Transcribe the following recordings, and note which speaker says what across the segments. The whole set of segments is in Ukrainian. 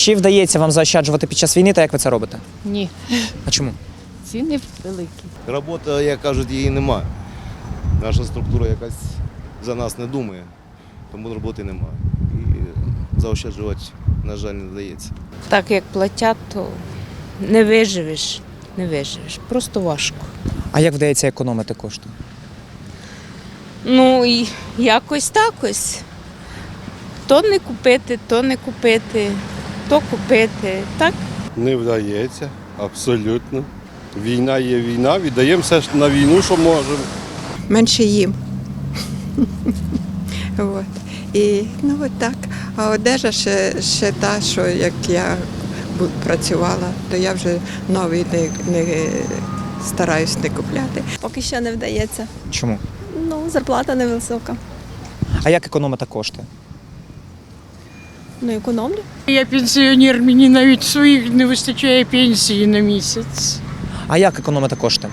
Speaker 1: Чи вдається вам заощаджувати під час війни та як ви це робите?
Speaker 2: Ні,
Speaker 1: А чому?
Speaker 2: ціни великі.
Speaker 3: Роботи, як кажуть, її немає. Наша структура якась за нас не думає, тому роботи немає. І заощаджувати, на жаль, не вдається.
Speaker 4: Так як платять, то не виживеш. Не виживеш. Просто важко.
Speaker 1: А як вдається економити кошти?
Speaker 4: Ну і якось так ось. То не купити, то не купити, то купити. Так?
Speaker 5: Не вдається, абсолютно. Війна є війна, віддаємо все ж на війну, що можемо.
Speaker 6: Менше їм. От. І ну от так. А одежа ще та, що як я працювала, то я вже новий не стараюсь не купляти.
Speaker 7: Поки що не вдається.
Speaker 1: Чому?
Speaker 7: Ну, зарплата невисока.
Speaker 1: А як економити кошти?
Speaker 7: Ну, економлю.
Speaker 2: Я пенсіонер, мені навіть своїх не вистачає пенсії на місяць.
Speaker 1: А як економити кошти?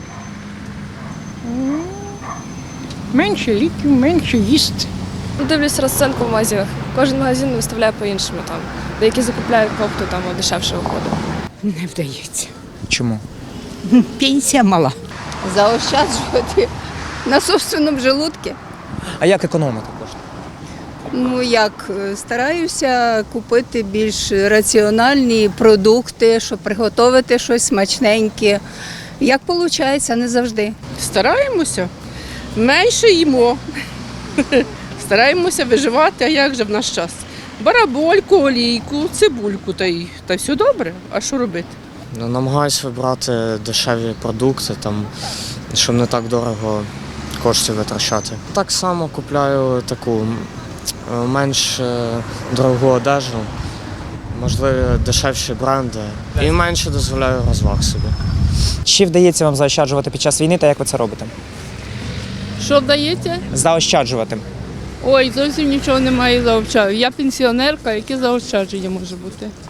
Speaker 2: Менше ліків, менше їсти.
Speaker 8: Дивлюсь розцінку в магазинах. Кожен магазин виставляє по-іншому. Там. Деякі закупляють копту, там дешевше виходить.
Speaker 4: Не вдається.
Speaker 1: Чому?
Speaker 4: Пенсія мала.
Speaker 9: Заощаджувати на собственному желудку.
Speaker 1: А як економити кошти?
Speaker 9: Ну як, стараюся купити більш раціональні продукти, щоб приготувати щось смачненьке. Як виходить, не завжди.
Speaker 10: Стараємося, менше їмо. Стараємося виживати, а як же в наш час? Барабольку, олійку, цибульку та все добре. А що робити?
Speaker 11: Намагаюсь вибрати дешеві продукти, щоб не так дорого коштів витрачати. Так само купляю таку менш дорогу одежу, можливо, дешевші бренди і менше дозволяю розваг собі.
Speaker 1: Чи вдається вам заощаджувати під час війни та як ви це робите?
Speaker 10: Що вдається?
Speaker 1: Заощаджувати.
Speaker 10: Ой, зовсім нічого немає заощадження. Я пенсіонерка, яке заощадження може бути?